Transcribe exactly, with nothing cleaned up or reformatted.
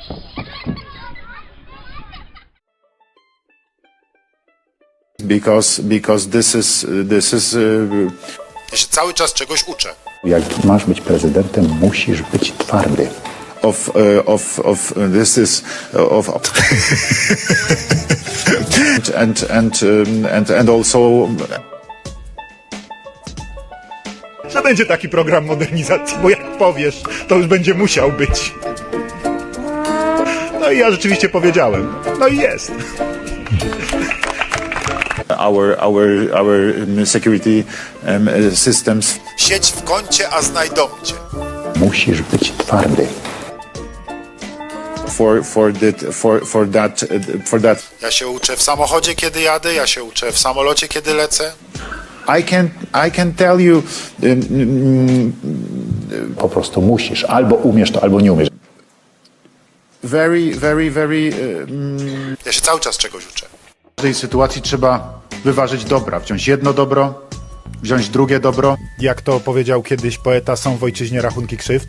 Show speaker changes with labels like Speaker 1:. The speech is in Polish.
Speaker 1: Because, because this is, this is, uh... Ja się cały czas czegoś uczę.
Speaker 2: Jak masz być prezydentem, musisz być twardy.
Speaker 1: Of, uh, of, of, uh, this is, uh, of, and, and, um, and, and also...
Speaker 3: Że będzie taki program modernizacji, bo jak powiesz, to już będzie musiał być. No i ja rzeczywiście powiedziałem. No i jest.
Speaker 1: Our, our, our um, security um, systems. Siedź w kącie, a znajdą cię.
Speaker 2: Musisz być twardy.
Speaker 1: For, for, that, for, for, that, uh, for that. Ja się uczę w samochodzie, kiedy jadę, ja się uczę w samolocie, kiedy lecę. I can, I can tell you... Um, um,
Speaker 2: Po prostu musisz. Albo umiesz to, albo nie umiesz.
Speaker 1: very, very, very... Um, ja się cały czas czegoś uczę. W tej sytuacji trzeba wyważyć dobra. Wziąć jedno dobro, wziąć drugie dobro.
Speaker 3: Jak to powiedział kiedyś poeta, są w ojczyźnie rachunki krzywd.